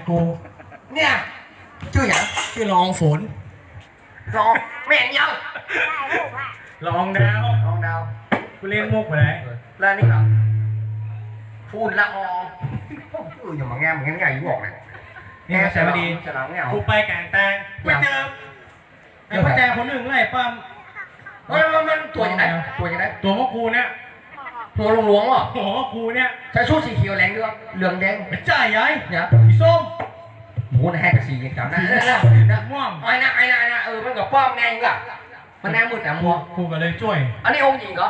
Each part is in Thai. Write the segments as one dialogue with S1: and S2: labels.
S1: กู
S2: เนี่ยชื่ออย่าง
S1: ชื่อรองฝน
S2: รองแม่นยัง
S1: รองดาว
S2: รองดาว
S1: กูเล่นมุกไปไหน
S2: แล้วนี่เหรอพูดละอองอย่ามาแง่เหมือนกันไงอยู่บอกเลย
S1: นี่มาใส่มาดี
S2: ฉลามเนี่ย
S1: กูไปแก่งแตงไปเจอไอ้พ่อแจคนหนึ่งไล่ปั้ม
S2: มันตัวยังไงตัวยังไง
S1: ตัวพวกกูเนี่ย
S2: ตัวหลวงๆเหรอ
S1: หัวพวกกูเนี่ย
S2: ใช้ชุดสีเขียวแรงด้วยเหลืองแดง
S1: ไม่จ่ายยัย
S2: เนี่ย
S1: สีส้ม
S2: หมูนะแหกกับสีอย่างนั้นนะ
S1: ม่วง
S2: ไอ้นะมันกับป้อมแงงกะมันแน่มืดแต่มัว
S1: กูก็เลยช่วย
S2: อันนี้องค์หญิงเหรอ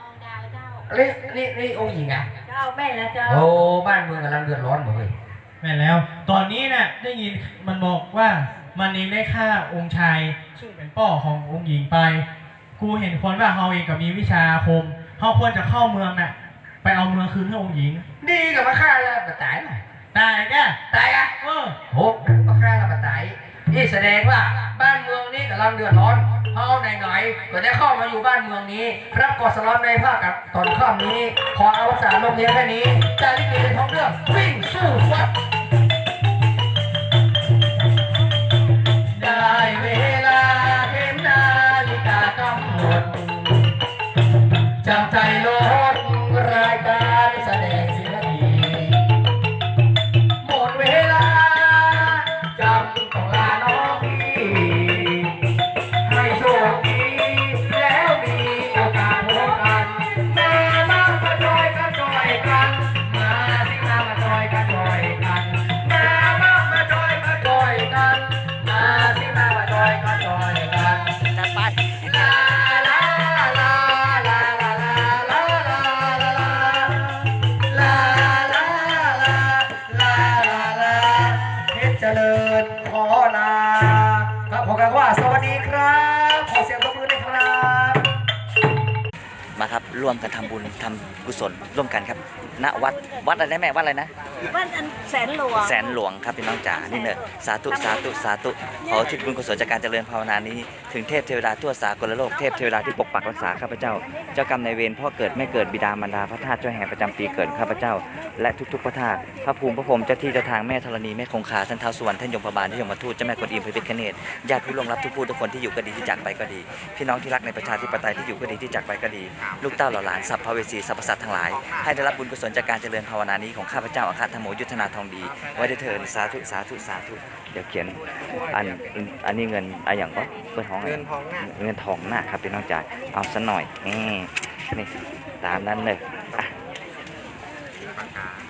S2: นี่องค์หญิงไง
S3: เจ้าแม่แล้วเจ้า
S2: โอ้บ้านเมืองกำลังเดือดร้อนหมดเลย
S1: แม่แล้ว ตอนนี้น่ะได้ยินมันบอกว่ามันเองได้ฆ่าองค์ชายซึ่งเป็นพ่อขององค์หญิงไป กูเห็นคนว่าเฮาเองกับมีวิชาอาคมเฮาควรจะเข้าเมืองน่ะไปเอาเมืองคืนให้องค์หญิง
S2: ดีกับมาฆ่าแล้วมาตายหน่อย
S1: ตายแก
S2: ตายอ่ะ
S1: เออ
S2: โหมาฆ่าแล้วมาตายนี่แสดงว่าบ้านเมืองนี้กำลังเดือดร้อนเฮาไหนๆก็ได้เข้ามาอยู่บ้านเมืองนี้ รับกอดสลอนในภาคกับตอนข้ามนี้ ขออวสานลงเพียงแค่นี้จาริกในท้องเรื่องวิ่งสู้ฟัดได้เวลาเข็มนาฬิกากำหนดจำใจลดรายการแสดงศิลปีหมดเวลาจำต้องลาน้องพี่ให้โชคดีแล้วมีโอกาสพบกันมาจอยกันจอยกันมาสิมาจอยกันจอยกันมาจอยกันจอยกันมาสิมาจอยกันจอยกันจัดไปลาลาลาลาลาลาลาลาลาลาลาลาลาเพชรเจริญขอลาครับผมกันว่าสวัสดีครับขอเสียงปรบมือหน่อยครับ
S4: มาครับร่วมกันทำบุญทำกุศลร่วมกันครับณวัดอะไรนะแม่วัดอะไรนะ
S3: บ้านอันแสนหลวง
S4: แสนหลวงครับพี่น้องจ๋านี่เนอะสาธุสาธุสาธุขอทิศบุญกุศลจากการเจริญภาวนานี้ถึงเทพเทวดาทั่วสากลโลกเทพเทวดาที่ปกปักรักษาข้าพเจ้าเจ้ากรรมนายเวรพ่อเกิดแม่เกิดบิดามารดาพระธาตุเจ้าแห่งประจำปีเกิดข้าพเจ้าและทุกๆพระธาตุพระภูมิพระพรหมเจ้าที่เจ้าทางแม่ธรณีแม่คงคาท่านท้าวสุวรรณท่านยมพบาลท่านยมทูตเจ้าแม่กวนอิมพระพิฆเนศญาติผู้ล่วงลับทุกผู้ทุกคนที่อยู่ก็ดีที่จากไปก็ดีพี่น้องที่รักในประชาธิปไตยที่อยู่ก็ดีที่จากไปก็ดีลูกเต้าเหล่าหลานสัพพเวสีสรรพสัตว์ทั้งหลายให้ได้รับบุญกุศลจากการเจริญภาวนานี้ของข้าพเจ้าอัครธรรมโมยุทธนาทองดีไว้ได้เถิดสาธุสาธุสาธุเดี๋ยวเขียนอันนี้เงินอะไรอย่างก็เปิดห้องเงินทองหน้าครับพี่น้องจ่ายเอาซะหน่อยนี่ตามนั้นเลย